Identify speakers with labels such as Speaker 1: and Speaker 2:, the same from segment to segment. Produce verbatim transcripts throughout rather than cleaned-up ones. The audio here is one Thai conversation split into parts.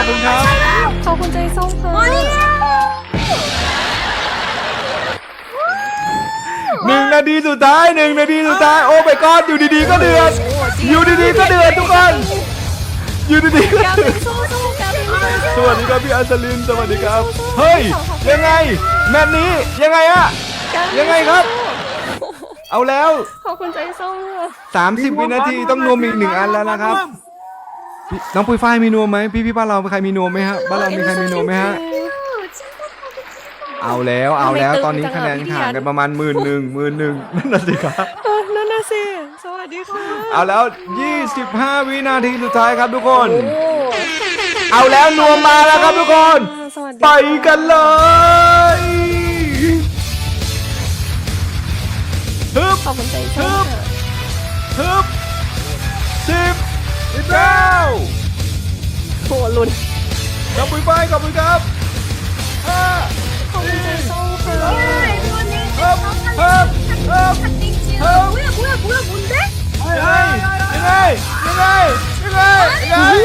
Speaker 1: อบคุณครับ
Speaker 2: ขอบคุณใจส้มค่ะ
Speaker 1: หนึ่งนาทีสุดท้ายหนึ่งนาทีสุดท้ายโอ้ไปก้อนอยู่ดีๆก็เดือดอยู่ดีๆก็เดือดทุกคนอยู่ดีๆก็เดือดสวัสดีครับพี่อัศลินสวัสดีครับเฮ้ยยังไงแมตช์นี้ยังไงอะยังไงครับเอาแล้ว
Speaker 2: ขอบคุณใจส้ม
Speaker 1: สามสิบวินาทีต้องนวมอีกหนึ่งอันแล้วนะครับน้องปุยฝ้ายมีนวมไหมพี่พี่บ้านเราใครมีนวมไหมฮะบ้านเรามีใครมีนวมไหมฮะเอาแล้วเอาแล้วตอนนี้คะแนนห่างกันประมาณหมื่นหนึ่งหมื่นหนึ่งนั่นน่ะสิครับ
Speaker 2: นั่นน่ะสิสวัสดีค่ะ
Speaker 1: เอาแล้วยี่สิบห้าวินาทีสุดท้ายครับทุกคนเอาแล้วนวมมาแล้วครับทุกคนไปกันเลยฮึบ
Speaker 2: ขอบคุณใจส้ม
Speaker 1: ฮึบสิบสิบเก้า
Speaker 2: โหลุ้น
Speaker 1: ขอบคุณไปขอบคุณครับห้า
Speaker 2: ขอบคุณใจส้มค่ะ
Speaker 1: ฮึบฮึบฮึบฮึบ
Speaker 3: 뭐야 뭐야 뭐야 뭔데?
Speaker 1: ยังไงยังไงยังไงยังไงยังไง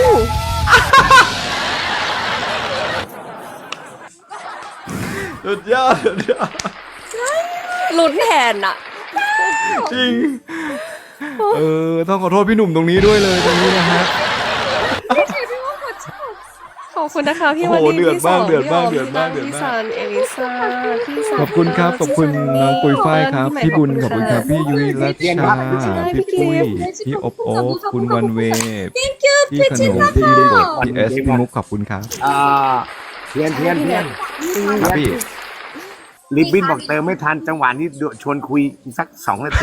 Speaker 1: สุดยอดสุดยอด
Speaker 2: ลุ้นแทนอะ
Speaker 1: จริงเออต้องขอโทษพี่หนุ่มตรงนี้ด้วยเลยตรงนี้นะฮะ
Speaker 2: ขอบคุณนะคะพี่วันนี้พี่สองพี่ออมพี่ซันเอลิซ่าพี่สาว
Speaker 1: ขอบคุณครับขอบคุณน้องปุยฝ้ายครับพี่บุญขอบคุณครับพี่ยุ้ยรัชชาพี่ปุ้ยพี่อบโอบคุณวันเวพี่ขนมพี่โบดพี่เอสพี่มุกขอบคุณครับ
Speaker 4: อ่าเทียนเทียนเทียน
Speaker 1: ครับพี่
Speaker 4: ลิบบินบอกเติมไม่ทันจังหวะนี้ชวนคุยสักสองนาที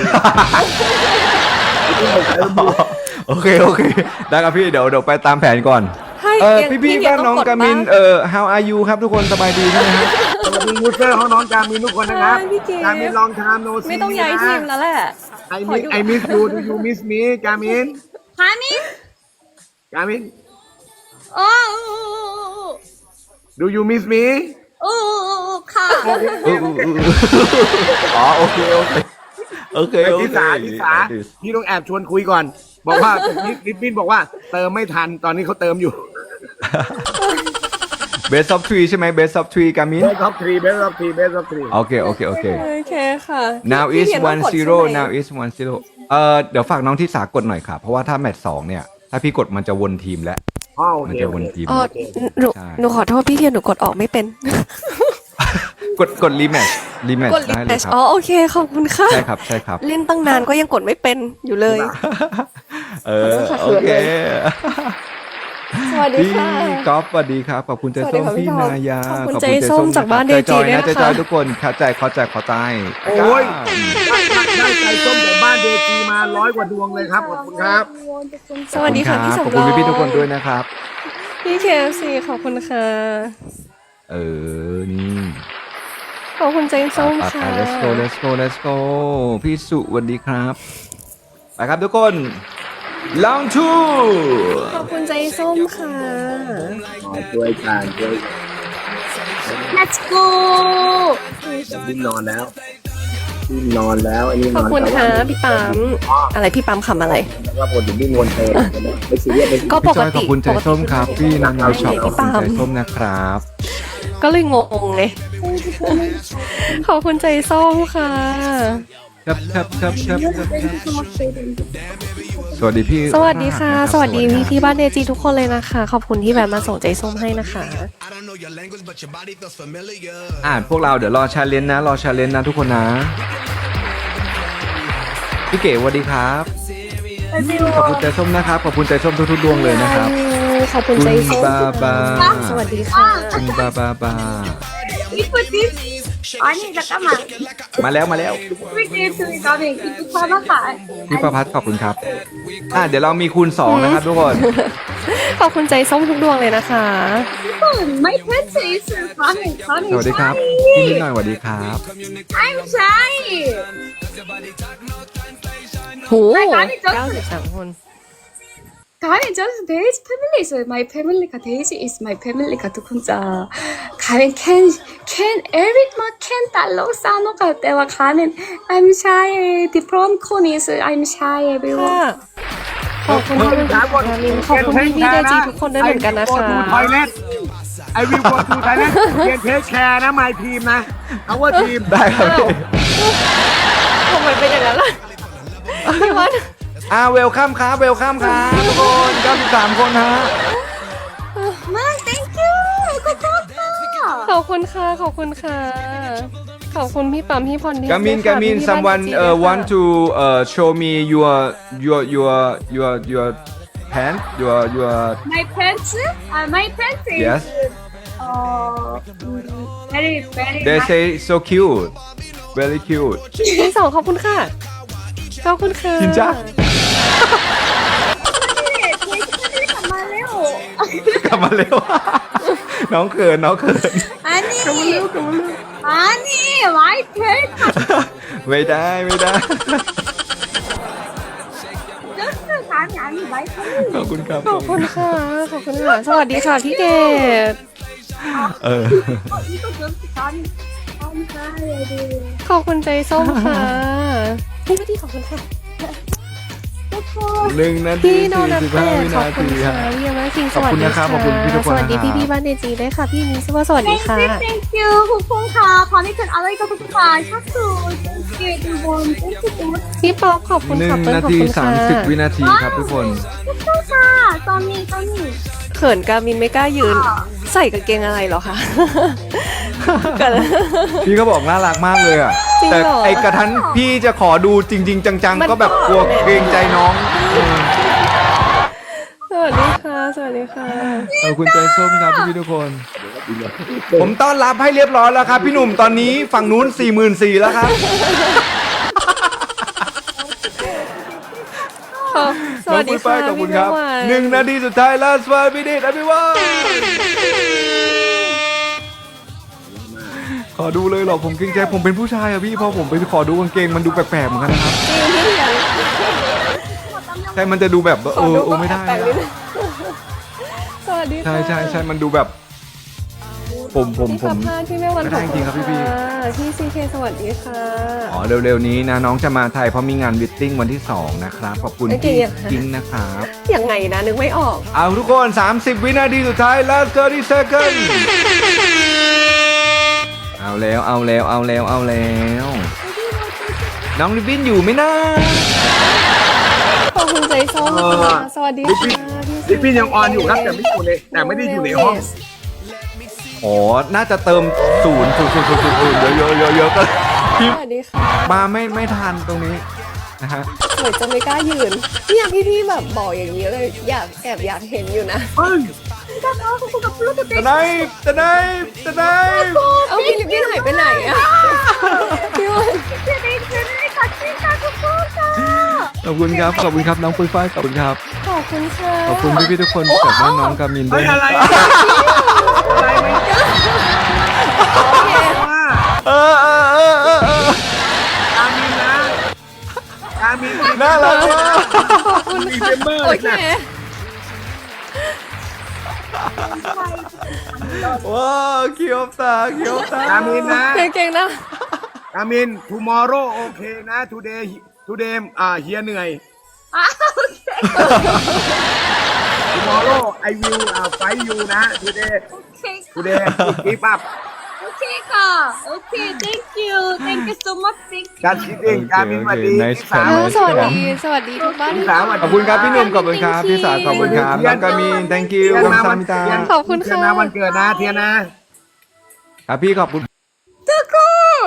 Speaker 1: โอเคโอเคได้ครับพี่เดี๋ยวเดี๋ยวไปตามแผนก่อนเออพี่พี่บ้านน้องกามินเออ how are you ครับทุกคนสบายดีใช่ไหมครับ
Speaker 4: สวัสดียูเซอร์ของน้องกามินทุกคนนะครับกามินลองทำโนซี
Speaker 2: ไม่ต้องย้ายทีมแล้วแหละ
Speaker 4: ไอมิสไอมิสยูดูยูมิสมีกามิน
Speaker 3: 가민
Speaker 4: กามิน
Speaker 3: 어
Speaker 4: ดูยูมิสมี
Speaker 3: 오카
Speaker 1: อ๋อโอเคโอเคโอเคโอเค
Speaker 4: ทิสาทิสาพี่ต้องแอบชวนคุยก่อนบอกว่าลิบบินบอกว่าเติมไม่ทันตอนนี้เขาเติมอยู่
Speaker 1: เบสออฟทรีใช่ไหมเบสออฟทรีกามิน
Speaker 4: เบสออฟทรีเบสออฟทรีเบสออฟทรี
Speaker 1: โอเคโอเคโอเค
Speaker 2: โอเคค่ะ
Speaker 1: now is one zero now is one zero เอ่อเดี๋ยวฝากน้องที่สากดหน่อยค่ะเพราะว่าถ้าแมตช์สองเนี่ยถ้าพี่กดมันจะวนทีมแล้วมันจะวนทีม
Speaker 2: อ๋อหนูหนูขอโทษพี่เทียนหนูกดออกไม่เป็น
Speaker 1: กดกดรีแมทช์รีแมทช์ได้เลยครับ
Speaker 2: อ๋อโอเคขอบคุณค่ะ
Speaker 1: ใช่ครับใช่ครับ
Speaker 2: เล่นตั้งนานก็ยังกดไม่เป็นอยู่เลย
Speaker 1: เออโอเค
Speaker 2: สวัสดีค่ะ
Speaker 1: พี่ก๊อฟสวัสดีครับขอบคุณใจส้มพี่นายา
Speaker 2: ขอบคุณใจส้มจากบ้านเดจีด้วย
Speaker 1: นะคะใจจอยทุกคนเข้าใจเข้าใจเข้าใจ
Speaker 4: โอ้ยได้ใจส้มจากบ้านเดจีมาร้อยกว่าดวงเลยครับขอบคุณครับ
Speaker 2: สวัสดีค่ะพี่สมร
Speaker 1: ขอบคุณพี่ทุกคนด้วยนะครับ
Speaker 2: พี่เคฟซีขอบคุณค่ะ
Speaker 1: เออนี่
Speaker 2: ขอบคุณใจส้มค่ะ
Speaker 1: let's go let's go let's go พี่สุสวัสดีครับไปครับทุกคน ลองทู
Speaker 2: ขอบคุณใจส้มค่ะ
Speaker 4: ช่วยกันช่วย
Speaker 3: Let's go
Speaker 4: พี่นอนแล้วพี่นอนแล้วอันนี้
Speaker 2: ขอบคุณค่ะพี่ปั๊มอะไรพี่ปั๊มคำอะไร
Speaker 4: ว่าผมถึงพี่นวลเธอไม่ซีเรียส
Speaker 2: ก็ปกติ
Speaker 1: ขอบคุณใจส้มครับพี่นันเอาช็อปขอบคุณใจส้มนะครับ
Speaker 2: ก็เลยงงไงขอบคุณใจส้มค่ะ
Speaker 1: ครับครับครับครับสวัสดีพี่
Speaker 2: สวัสดีค่ะสวัสดีพี่ที่บ้านเดจีทุกคนเลยนะคะขอบคุณที่แบบมาส่งใจส้มให้นะคะ
Speaker 1: อ่าพวกเราเดี๋ยวรอชาเลนจ์นะรอชาเลนจ์นะทุกคนนะพี่เก๋สวัสดีครับขอบคุณใจส้มนะครับขอบคุณใจส้มทุกๆดวงเลยนะครับ
Speaker 2: ขอบคุณใจส้ม
Speaker 1: บาบา
Speaker 2: สวัสดีค่ะ
Speaker 1: คุณบาบาบา
Speaker 3: อันนี้จะกลับมา
Speaker 1: มาแล้วมาแล้วพี่ประพัฒน์ขอบคุณครับอ่ะเดี๋ยวเรามีคูณสองนะครับทุกคน
Speaker 2: ขอบคุณใจส้มทุกดวงเลยนะคะ
Speaker 3: ไม่เพื่อนซีสื่อความเห็นความเห็น
Speaker 1: สวัสดีครับพี่นิดหน่อยสวัสดีครับ
Speaker 3: I'm shy
Speaker 2: โหเก้าสิบสามคน
Speaker 3: 가민 just Daisy family is my family. 가 Daisy is my family. 가 두kun자. 가민 can can every ma can 달러 싸노 갈 때와 가민 I'm shy. The prom cone is I'm shy everyone.
Speaker 2: ขอบคุณที่มาดูนามินขอบคุณพี่พี่เดจีทุกคนด้วยเหมือนกันนะคะ
Speaker 4: ไอวิวโกทูทอยเล็ตไอวิวโกทูทอยเล็ตเรียนเทคแคร์นะไมทีมนะเอาว่าทีม
Speaker 1: ได้ครับพี่
Speaker 2: ทำไมเป็นอย่างนั้นล่ะพี่วัด
Speaker 1: อ่าเวลคัมครับเวลคัมครับทุกคนเก้าสิบสามคนฮะ
Speaker 3: 마 thank you 이거 좋다
Speaker 2: ขอบคุณค่ะขอบคุณค่ะขอบคุณพี่ปั๊มพี่พรดี
Speaker 1: กามินกามิน someone uh, want to uh, show me your your your your your pants your your
Speaker 3: my pants uh, my pants is
Speaker 1: yes
Speaker 3: uh, very very
Speaker 1: they
Speaker 3: nice.
Speaker 1: say so cute very cute
Speaker 2: ที่สองขอบคุณค่ะขอบคุณค่ะ
Speaker 1: 진짜?
Speaker 3: 돼지 팬들이 정말요
Speaker 1: กลับมาเร็ว น้องเขินน้องเขิน
Speaker 3: 아니 아니 my pants
Speaker 1: ไม่ได้ไม่ได้
Speaker 3: just 감이 아니 my pants
Speaker 1: ขอบคุณครับ
Speaker 2: ขอบคุณค่ะขอบคุณค่ะสวัสดีค่ะพี่เกด
Speaker 1: เออ
Speaker 3: 어, 이거 just 감이 감사해요
Speaker 2: ขอบคุณใจส้มค่ะพี่วัดดีขอบคุณค่ะ
Speaker 1: หนึ่งนาที
Speaker 2: พี่โน
Speaker 1: สี่
Speaker 2: นัท
Speaker 1: สิบ
Speaker 2: เต้
Speaker 1: ห้าวิ
Speaker 2: ขอบ
Speaker 1: นา
Speaker 2: คุณ
Speaker 1: ที
Speaker 2: ค่ะ
Speaker 1: ฮะ
Speaker 2: พี่ยามาคิงส
Speaker 1: ขอบ
Speaker 2: วัส
Speaker 1: คุณ
Speaker 2: ดี
Speaker 1: นะครับ
Speaker 2: ค่ะ
Speaker 1: ขอบคุณพี่ทุกคน
Speaker 2: สวัสดี
Speaker 1: นะครับ
Speaker 2: พี่พี่บ้านเดจีด้วยค่ะพี่มิสว่าสวัสดีค่ะ
Speaker 3: Thank you thank you คุณพงษ์ค่ะพอนี่เป็นอะไรก็คุณค่ะชักสู thank you ทุกคน thank you so much
Speaker 2: พี่ป๊อปขอบคุณ
Speaker 1: หนึ่
Speaker 2: ค่ะ
Speaker 1: ง
Speaker 2: เปิ้ล
Speaker 1: นา
Speaker 2: ขอบ
Speaker 1: ที
Speaker 2: คุณ
Speaker 1: สา
Speaker 2: ค่ะ
Speaker 1: มสิบวินาทีครับทุกคน
Speaker 3: ทุกคนค่ะตอนนี้ตอนนี้
Speaker 2: เขินกามินไม่กล้ายืน ใส่กางเกงอะไรเหรอคะกัน
Speaker 1: พี่ก็บอกน่ารักมากเลยอ่ะ
Speaker 2: จริง
Speaker 1: แต่
Speaker 2: เหรอ
Speaker 1: ไอกระทันพี่จะขอดูจริง ๆ จัง
Speaker 2: มัน
Speaker 1: ๆ ก็แบบกลัว
Speaker 2: ก็
Speaker 1: เกรงใจน้องเออ
Speaker 2: สวัสดีค่ะสวัสดีค่ะ
Speaker 1: ขอบคุณใจส้มครับพี่ๆทุกคน ผมต้อนรับให้เรียบร้อยแล้วครับ พี่หนุ่มตอนนี้ฝั่งนู้น สี่หมื่นสี่พัน แล้วครับ
Speaker 2: สวัสดีค่ะ
Speaker 1: ขอบคุ
Speaker 2: พี่
Speaker 1: ณครับ
Speaker 2: เมื่อวาน
Speaker 1: หนึ่งนาทีสุดท้าย last one minute everyone ขอดูเลยเหรอผมเกรงใจผมเป็นผู้ชายอะพี่พอผมไปขอดูกางเกงมันดูแปลกๆเหมือนกันนะครับ
Speaker 2: จริงพี่เถียง
Speaker 1: ใช่มันจะดูแบบว่า
Speaker 2: ข
Speaker 1: เอ
Speaker 2: อ
Speaker 1: อ
Speaker 2: ดู
Speaker 1: เออไม่ได้
Speaker 2: แปลกๆนิด
Speaker 1: อะ
Speaker 2: นึงสวัสดีค่ะ
Speaker 1: ใช่ใช่ใช่มันดูแบบ ผมผมผม
Speaker 2: พี่ขับพาพี่แม่วัน
Speaker 1: ไม่ได้จริงๆครับพี่พี่
Speaker 2: พี่ซีเคสวัสดีค่ะ
Speaker 1: อ๋อเร็วๆนี้นะน้องจะมาไทยเพราะมีงานวิตติ้งวันที่สองนะครับขอบคุณ
Speaker 2: โอเค
Speaker 1: พี่
Speaker 2: อะค่ะ
Speaker 1: กิ้งนะครับ
Speaker 2: ยังไงนะนึกไม่ออก
Speaker 1: เอาทุกคน สามสิบ วินาทีสุดท้าย last thirty second เอาแล้วเอาแล้วเอาแล้วเอาแล้ว น้องลิบบินอยู่ไหมนะ
Speaker 2: ขอบคุณใจส้ม
Speaker 4: เออ
Speaker 2: ค่ะสวัสดี
Speaker 4: ลิปปิ้น
Speaker 2: ค่ะพี่
Speaker 4: ลิปปิ้นยังออนอยู่ครับแต่ไม่อยู่ในแต่ไม่ได้อยู่ในห้อง
Speaker 1: อ๋อ น่าจะเติมศูนย์ศูนย์ศูนย์ศูนย์ศูนย์ศูนย์เยอะเยอะเยอะเยอะก็พิม
Speaker 2: ส
Speaker 1: พ์
Speaker 2: วัสดีค่ะ
Speaker 1: มาไม่ไม่ทันตรงนี้นะฮะ
Speaker 2: เหมือนจะไม่กล้ายืนเนี่ยพี่พี่แบบบอกอย่างนี้เลยอยากแอบอยากเห็นอยู่นะ
Speaker 4: เฮ้ย
Speaker 1: ตะไนตะไนตะไน
Speaker 2: เอาพี่ลิปปิ้นหายไปไหนอะพี่วัน
Speaker 3: 돼지 팬들이 같이 가고 싶다
Speaker 1: ขอบคุณครับขอบคุณครับน้องปุ้ยฝ้ายขอบคุณครับ
Speaker 2: ขอบคุณค่ะ
Speaker 1: ขอบคุณพี่พี่ๆทุกคนจากบ้านน้องกามินด้
Speaker 4: เฮ้
Speaker 1: วย ย
Speaker 4: อะไรอะไรไหม
Speaker 2: โอเค
Speaker 4: ว่า
Speaker 1: เออเออเออเออเออ
Speaker 4: กามินนะกามิน
Speaker 1: น่ารักมาก
Speaker 2: ขอบคุณ
Speaker 4: มี
Speaker 2: ค่ะ
Speaker 4: เมมเบอร์
Speaker 2: โอเค
Speaker 4: นะ
Speaker 1: ว้าวเขียวตาเขียวตาก
Speaker 4: ามินนะ
Speaker 2: เก่งๆนะ
Speaker 4: กามิน tomorrow โอเคนะ today today อ่าเฮียเหนื่อย
Speaker 3: 아 오케이
Speaker 4: tomorrow I will อ่า fight you นะ today
Speaker 3: 오케이
Speaker 4: today keep up
Speaker 3: 오케이 가 오케이 thank you thank you so much thank you
Speaker 4: การคิดเองกามินสวัสดี
Speaker 1: Nice
Speaker 4: พี่สาว
Speaker 1: try
Speaker 2: สวัสดีสวัสดีทุกบ้าน
Speaker 4: พี่สาวสวัสดี
Speaker 1: ขอบคุณครับพี่หนุ่มขอบคุณครับพี่สาวขอบคุณครับน้องกามิน thank you ขอบคุณซามิตา
Speaker 2: ขอบคุณ
Speaker 4: เทีย
Speaker 2: ค่ะ
Speaker 4: นนะวันเกิดนะเทียนนะ
Speaker 1: ครับพี่ขอบคุณ
Speaker 3: 뜨거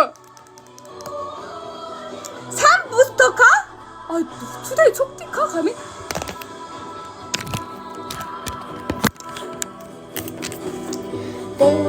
Speaker 3: 삼 부스터카 아 투데이 촉티카 가면 오